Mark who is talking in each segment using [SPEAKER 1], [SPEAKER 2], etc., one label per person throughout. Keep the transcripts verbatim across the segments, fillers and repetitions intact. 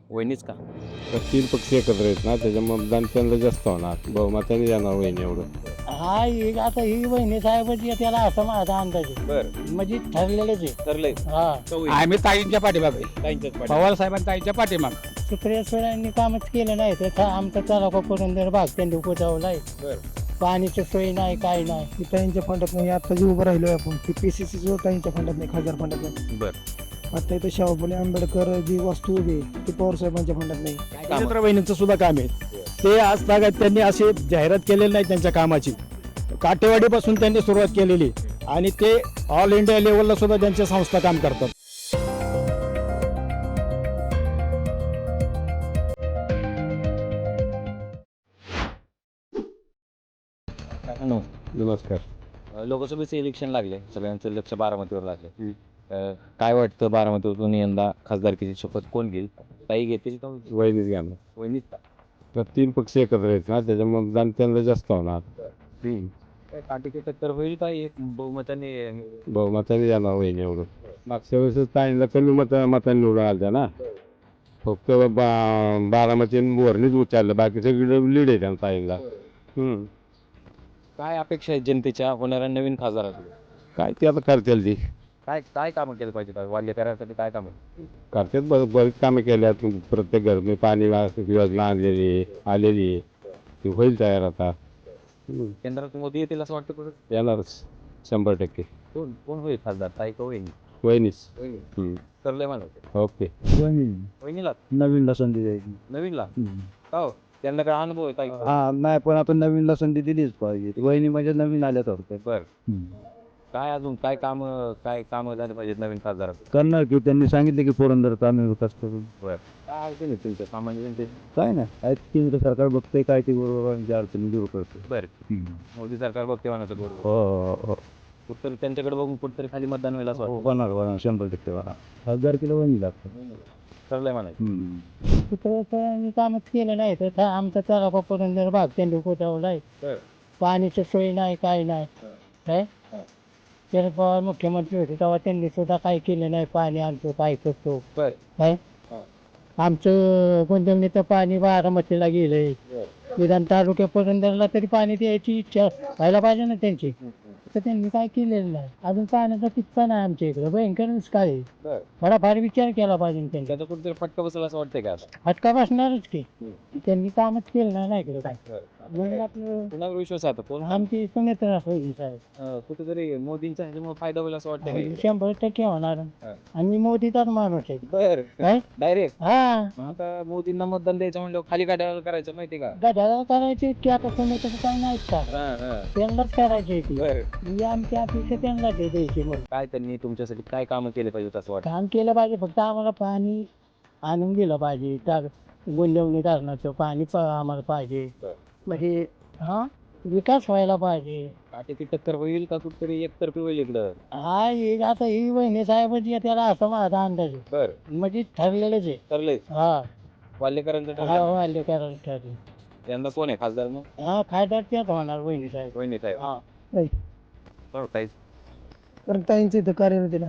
[SPEAKER 1] वहिनीच का?
[SPEAKER 2] तर तीन पक्ष एकत्र आहेत ना, त्याच्यामुळे मतदान त्यांना जास्त होणार, बहुमताने जाणार वहिनी एवढं.
[SPEAKER 3] हा ही आता ही वहिनी साहेबाची त्याला असं माझा अंदाज आहे.
[SPEAKER 1] बर
[SPEAKER 3] म्हणजे ठरलेलंच आहे.
[SPEAKER 1] ठरलंय
[SPEAKER 3] हा
[SPEAKER 4] आम्ही ताईंच्या पाठीमागे
[SPEAKER 1] ताईंच्याच पाठी.
[SPEAKER 4] पवार साहेबांनी ताईंच्या पाठीमागे
[SPEAKER 3] सुप्रिया सुळ्यांनी कामच केलं नाही तर था- आमचा तालुका पुरंदर भाग त्यांनी पोचावलाय.
[SPEAKER 1] बर
[SPEAKER 3] पाणीची सोय नाही काय नाही.
[SPEAKER 5] की ताईंच्या फंडात नाही आता जे उभं राहिलोय आपण ती पी सी सी जो ताईंच्या फंडात नाही खासदार फंडात नाही.
[SPEAKER 1] बर
[SPEAKER 5] आता इथं शाहू फुले आंबेडकर जी वास्तू उभी आहे ती पवार साहेबांच्या फंडात नाही.
[SPEAKER 4] नरेंद्र वहिनींचं सुद्धा काम आहे. ते आज तागात त्यांनी अशी जाहिरात केलेली नाही त्यांच्या कामाची. काटेवाडीपासून त्यांनी सुरुवात केलेली आणि ते ऑल इंडिया लेवलला सुद्धा त्यांच्या संस्था काम करतात.
[SPEAKER 1] नमस्कार.
[SPEAKER 2] नमस्कार.
[SPEAKER 1] अ, लोकसभेचे इलेक्शन लागले, सगळ्यांचं लक्ष बारामतीवर लागले. अ, काय वाटतं बारामतीवरून यंदा खासदारकीची शपथ कोण घेईल? ताई घेतील का
[SPEAKER 2] वहिनीच घ्याणार.
[SPEAKER 1] वहिनीच का?
[SPEAKER 2] तर तीन पक्ष एकत्र आहेत ना, त्याच्यामुळे मतदान त्यांना जास्त होणार.
[SPEAKER 1] काय काटेकी टक्कर होईल का एक बहुमताने?
[SPEAKER 2] बहुमताने जाणार वहिनी एवढं. मागच्या वेळेस ताईंना कमी मत मतांनी निवडून आल्या ना, फक्त बा बारामती वरणीच उचललं, बाकी सगळीकडे लीड आहे त्यांना ताईंना. हम्म.
[SPEAKER 1] काय अपेक्षा आहेत जनतेच्या होणाऱ्या नवीन खासदाराकडे?
[SPEAKER 2] काय ते आता करतील ती
[SPEAKER 1] काय काय कामं केलं पाहिजे वाल्य करायसाठी? काय कामं?
[SPEAKER 2] करतात, बरं बरीच कामं केल्यात. प्रत्येक घरने पाणी योजना आणलेली आलेली आहे. ती होईल तयार आता. हम्म.
[SPEAKER 1] केंद्रात मोदी येतील असं वाटतं कुठं?
[SPEAKER 2] येणारच शंभर टक्के.
[SPEAKER 1] कोण कोण होईल खासदार, ताई का वहिनी?
[SPEAKER 2] वहिनीच.
[SPEAKER 1] वहिनी.
[SPEAKER 2] हम्म.
[SPEAKER 1] ठरलंय मला.
[SPEAKER 2] ओके.
[SPEAKER 1] वहिनीला
[SPEAKER 4] नवीनला संधी द्यायची.
[SPEAKER 1] नवीनला का हो? त्यांना काय अनुभव आहे ताई?
[SPEAKER 4] हा नाही, पण आपण नवीनला संधी दिलीच पाहिजे. वहिनी म्हणजे नवीन आल्याच होते.
[SPEAKER 1] बर काय अजून काय काम काय काम झाले पाहिजेत नवीन खासदारात?
[SPEAKER 4] करणार की त्यांनी सांगितले की पुरंदरचा आम्ही विकास करून.
[SPEAKER 1] बर काय अडचण आहे तुमच्या सामान्य जनते?
[SPEAKER 4] काय नाही केंद्र सरकार बघतंय काय ते बरोबर अडचणी दूर करतो.
[SPEAKER 1] बर मोदी सरकार बघते म्हणायचं बरोबर.
[SPEAKER 4] हो हो
[SPEAKER 1] कुठतरी त्यांच्याकडे बघून कुठतरी खाली मतदान होईल असं
[SPEAKER 4] हो
[SPEAKER 1] वाटतं.
[SPEAKER 4] होणार होणार शंभर टक्के होणार. हजार किलो वहिनी लागतं.
[SPEAKER 1] ठरलंय म्हणायचं.
[SPEAKER 3] सुप्रिया सुळ्यांनी कामच केलं नाही तर था- आमचा तालुका पुरंदर भाग त्यांनी पोचावलाय.
[SPEAKER 1] बर
[SPEAKER 3] पाणीची सोय नाही काय नाही. काय शरद पवार मुख्यमंत्री होते तेव्हा त्यांनी सुद्धा काय केलं नाही. पाणी आणतो काय करतो
[SPEAKER 1] बर
[SPEAKER 3] काय.
[SPEAKER 1] हा.
[SPEAKER 3] आमचं गुंजवणीचं पाणी बारामतीला गेलंय. निदान तालुक्या पुरंदरला तरी पाणी द्यायची इच्छा व्हायला पाहिजे ना त्यांची. तर त्यांनी काय केलेलं नाही. अजून पाण्याचा किस्सा नाही आमच्या इकडे. भयंकरच काय आहे.
[SPEAKER 1] बर
[SPEAKER 3] थोडाफार विचार केला पाहिजे त्यांनी.
[SPEAKER 1] त्याचा कुठतरी फटका बसला असं वाटतंय का असं?
[SPEAKER 3] फटका बसणारच की. त्यांनी कामच केलं नाही ना इकडे काय.
[SPEAKER 1] बर.
[SPEAKER 3] म्हणून आपलं
[SPEAKER 1] कुणावर विश्वास आहे आता? कोण
[SPEAKER 3] आमची सुनेत्रा होईल साहेब.
[SPEAKER 1] अं, कुठेतरी मोदींचा ह्याच्यामुळे फायदा होईल असं वाटतंय का?
[SPEAKER 3] शंभर टक्के होणार.
[SPEAKER 1] हा.
[SPEAKER 3] आणि मोदीचाच माणूस आहे.
[SPEAKER 1] बर
[SPEAKER 3] काय
[SPEAKER 1] डायरेक्ट
[SPEAKER 3] हा
[SPEAKER 1] आता मोदींना मतदान द्यायचं म्हणलं खाली गाड्यावर करायचं माहिती का?
[SPEAKER 3] गड्याला करायची की आता सुनेत्रा काय नाही का
[SPEAKER 1] हा, हा.
[SPEAKER 3] त्यांनाच करायची ती.
[SPEAKER 1] बर
[SPEAKER 3] म्हणजे आमची अपेक्षा त्यांना ते द्यायची. मग
[SPEAKER 1] काय त्यांनी तुमच्यासाठी काय कामं केले पाहिजे असं वाटतं?
[SPEAKER 3] काम केलं पाहिजे. फक्त आम्हाला पाणी आणून दिलं पाहिजे. टाक गुंजवणी धरणाचं पाणी प- आम्हाला पाहिजे.
[SPEAKER 1] बरं.
[SPEAKER 3] म्हणजे हा विकास व्हायला पाहिजे.
[SPEAKER 1] काटेकी टक्कर होईल का कुठतरी एकतर्फी होईल इकडं?
[SPEAKER 3] हा ही आता ही वहिनी साहेबाची त्याला असं माझा अंदाज आहे.
[SPEAKER 1] बर
[SPEAKER 3] म्हणजे ठरलेलंच आहे.
[SPEAKER 1] ठरलंय
[SPEAKER 3] हा
[SPEAKER 1] वाल्यकरांचं
[SPEAKER 3] हा
[SPEAKER 1] ठरलं.
[SPEAKER 3] वाल्य करायला ठरले.
[SPEAKER 1] यंदा कोण आहे खासदार मग?
[SPEAKER 3] हा खासदार त्याच होणार वहिनी साहेब.
[SPEAKER 1] वहिनी साहेब.
[SPEAKER 3] हा
[SPEAKER 1] बरं, ताई.
[SPEAKER 5] कारण ताईंचं इथं कार्यरत आहे ना,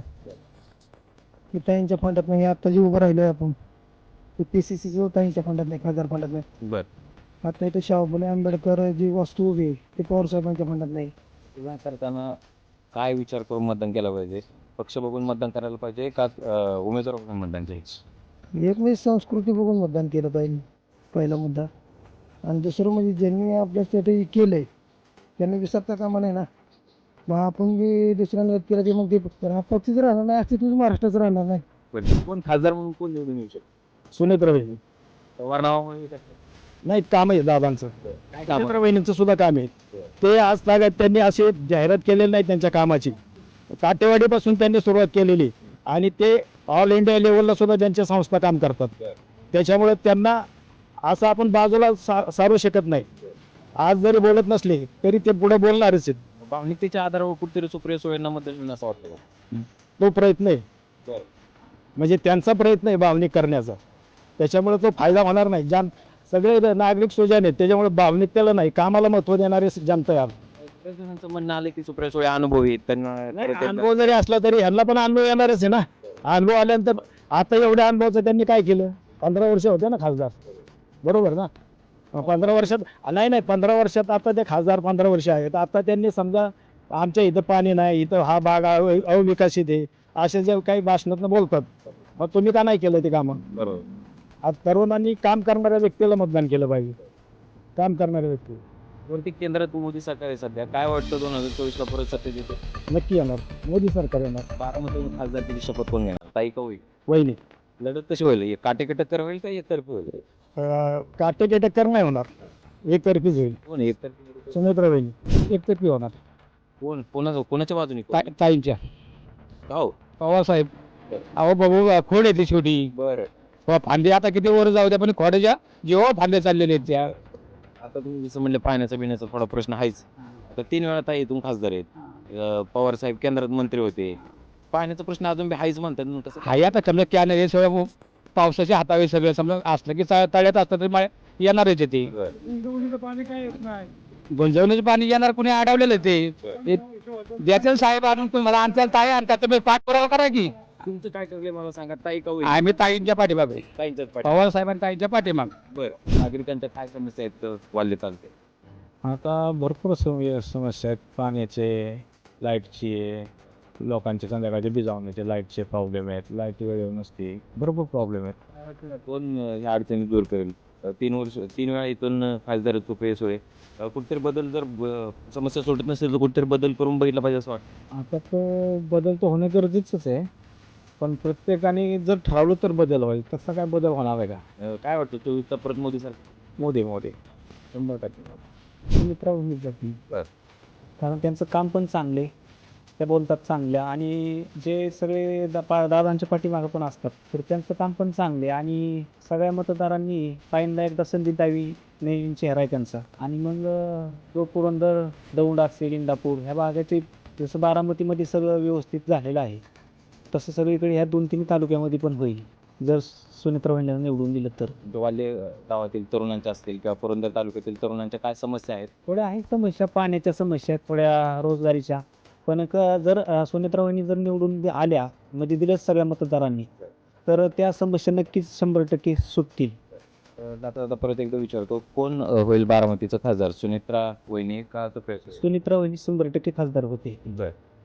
[SPEAKER 5] की ताईंच्या फंडात नाही आता जे उभं राहिलोय आपण ती पी सी सी जो ताईंच्या फंडात नाही खासदार फंडात नाही.
[SPEAKER 1] बर
[SPEAKER 5] आता इथं शाहू फुले आंबेडकर जी वास्तू उभी आहे ती पवार साहेबांच्या फंडात नाही.
[SPEAKER 1] तुला करताना काय विचार करून मतदान केलं पाहिजे? पक्ष बघून मतदान करायला पाहिजे का अं, उमेदवार बघून मतदान करायचं?
[SPEAKER 5] एक वेळेस संस्कृती बघून मतदान केलं पाहिजे पहिला मुद्दा. आणि दुसरं म्हणजे ज्यांनी आपल्यासाठी केलंय त्यांनी विसरता कामा नाही ना. मग आपण जे दुसऱ्यांना केलं ते मग ते हा पक्षच राहणार नाही अस्तित्वच महाराष्ट्राचं राहणार नाही.
[SPEAKER 1] बरं. कोण खासदार म्हणून कोण निवडून येऊ शकतो?
[SPEAKER 4] सुनेत्र वहिनी
[SPEAKER 1] पवार नावामुळे येऊ शकतं.
[SPEAKER 4] नाही काम आहे दादांचं.
[SPEAKER 1] काय काम
[SPEAKER 4] नरेंद्र वहिनींचं सुद्धा काम आहे. ते आज तागात त्यांनी अशी जाहिरात केलेली नाही त्यांच्या कामाची. काटेवाडीपासून त्यांनी सुरुवात केलेली आणि ते ऑल इंडिया लेवलला सुद्धा त्यांच्या संस्था काम करतात. त्याच्यामुळे त्यांना असं आपण बाजूला सा सारू शकत नाही. आज जरी बोलत नसले तरी ते पुढे बोलणारच आहेत.
[SPEAKER 1] भावनिकतेच्या आधारावर कुठतरी सुप्रिया सुळेंना मतदान मिळेल असं वाटतं का?
[SPEAKER 4] तो प्रयत्न आहे.
[SPEAKER 1] बरं.
[SPEAKER 4] म्हणजे त्यांचा प्रयत्न आहे भावनिक करण्याचा. त्याच्यामुळे तो फायदा होणार नाही. जान सगळे नागरिक सुजान आहेत त्याच्यामुळे भावनिकतेला नाही कामाला महत्व देणारे जनता आहे.
[SPEAKER 1] बऱ्याच जणांचं म्हणणं आलं की सुप्रिया सुळे अनुभवी आहेत, त्यांना
[SPEAKER 4] नाही,
[SPEAKER 1] परत एकदा-
[SPEAKER 4] अनुभव जरी असला तरी ह्यांना पण अनुभव येणारच आहे ना. अनुभव आल्यानंतर आता एवढ्या अनुभवाचं त्यांनी काय केलं? पंधरा वर्ष होते ना खासदार, बरोबर ना? अं, पंधरा वर्षात नाही नाही पंधरा वर्षात आता ते खासदार पंधरा वर्ष आहेत. आता त्यांनी समजा आमच्या इथं पाणी नाही, इथं हा भाग अव- अविकसित आहे, असे जे काही भाषणातनं बोलतात, मग तुम्ही का नाही केलं ते कामं?
[SPEAKER 1] बरोबर.
[SPEAKER 4] आज तरुणांनी काम करणाऱ्या व्यक्तीला मतदान केलं पाहिजे, काम करणाऱ्या व्यक्ती
[SPEAKER 1] वरती केंद्रात मोदी सरकार आहे सध्या, काय वाटतं दोन हजार चोवीस ला परत सत्तेत येते?
[SPEAKER 4] नक्की येणार, मोदी सरकार येणार.
[SPEAKER 1] बारामतीतून खासदारकीची शपथ कोण घेणार, ताई का होईल?
[SPEAKER 4] वहिनी
[SPEAKER 1] लढत कशी होईल? एक काटेकी टक्कर होईल का एकतर्फी होईल?
[SPEAKER 4] अं, काटेकी टक्कर नाही होणार, एकतर्फीच होईल.
[SPEAKER 1] कोण एकतर्फी?
[SPEAKER 4] सुमित्रा वहिनी एकतर्फी होणार.
[SPEAKER 1] कोण कोणाचं कोणाच्या बाजूने?
[SPEAKER 4] ता- ताईंच्या
[SPEAKER 1] हो
[SPEAKER 4] पवार साहेब, अहो बाबू खोड येते शेवटी.
[SPEAKER 1] बरं.
[SPEAKER 4] हो, फांदे आता किती वर जाऊ द्या, पण खोड्याच्या जेव्हा फांदे चाललेले आहेत त्या.
[SPEAKER 1] आता तुम्ही जसं म्हणलं पाण्याचा बिण्याचा थोडा प्रश्न आहेच. तर तीन वेळा ताई इथून खासदार आहेत. अं, पवार साहेब केंद्रात मंत्री होते. पाण्याचा प्रश्न अजून बी आहेच म्हणतात ना, तसं
[SPEAKER 4] हाय आता समजा कॅन हे सगळं पावसाच्या हातावे सगळं समजा असलं की चा- तळ्यात असलं तरी मा- येणारच आहे ते.
[SPEAKER 1] बरं.
[SPEAKER 4] गुंजवण्याचं पाणी येणार, कुणी अडवलेलं आहे ते. द्यातील साहेब आणून तुम्हाला आणताल ताई आणतात, तुम्ही पाठपुरावा करा की.
[SPEAKER 1] तुमचं काय ठरलंय मला सांगा, ताई का होईल?
[SPEAKER 4] आम्ही ताईंच्या पाठीमागे,
[SPEAKER 1] ताईंच्याच पाठी.
[SPEAKER 4] पवार साहेबांनी ताईंच्या पाठीमाग.
[SPEAKER 1] बरं. नागरिकांच्या काय समस्या आहेत तर वाल्ले चालते?
[SPEAKER 6] आता भरपूर सम- समस्या आहेत, पाण्याचे, लाईटची, लोकांचे संध्याकाळचे बिजावण्याचे लाईटचे प्रॉब्लेम आहेत, लाईट वेळेवर नसते, भरपूर प्रॉब्लेम आहेत.
[SPEAKER 1] कोण अं, ह्या अडचणी दूर करेल? अं, तीन वर्ष तीन वेळा इथून अं, खासदार तुपे सोय कुठेतरी बदल जर ब- समस्या सोडत नसेल तर कुठेतरी बदल करून बघितला पाहिजे असं वाटतं.
[SPEAKER 6] आता तो बदल तर होणं गरजेचंच आहे, पण प्रत्येकाने जर ठरवलं तर बदल होईल, तसा काय बदल होणार आहे का?
[SPEAKER 1] अं, काय वाटतं चोवीसचा परत मोदी सरकार?
[SPEAKER 6] मोदी मोदी शंभर टक्के सुमित्रा वहिनी.
[SPEAKER 1] बरं.
[SPEAKER 6] कारण त्यांचं काम पण चांगले, त्या बोलतात चांगल्या, आणि जे सगळे दा पा दादांच्या पाठीमागं पण असतात, तर त्यांचं काम पण चांगले, आणि सगळ्या मतदारांनी ताईंना एकदा संधी द्यावी, नवीन चेहरा आहे त्यांचा. आणि मग अं, जो पुरंदर, दौंड असेल, इंदापूर ह्या भागाचे, जसं बारामतीमध्ये सगळं व्यवस्थित झालेलं आहे, तसं सगळीकडे ह्या दोन तीन तालुक्यामध्ये पण होईल जर सुनेत्रा वहिनीला निवडून दिलं तर.
[SPEAKER 1] वाल्ले अं, गावातील तरुणांच्या असतील किंवा पुरंदर तालुक्यातील तरुणांच्या काय समस्या आहेत?
[SPEAKER 6] थोड्या आहेत समस्या, पाण्याच्या समस्या आहेत, थोड्या रोजगारीच्या, पण क- जर अं, सुनेत्रा वहिनी जर निवडून दि- आल्या, म्हणजे दिल्याच सगळ्या मतदारांनी, तर त्या समस्या नक्कीच शंभर टक्के सुटतील.
[SPEAKER 1] अं, आता आता परत एकदा विचारतो, कोण अं, होईल बारामतीचं खासदार, सुनेत्रा वहिनी का तुपे?
[SPEAKER 6] सुनेत्रा वहिनी शंभर टक्के खासदार होते.
[SPEAKER 1] बरं.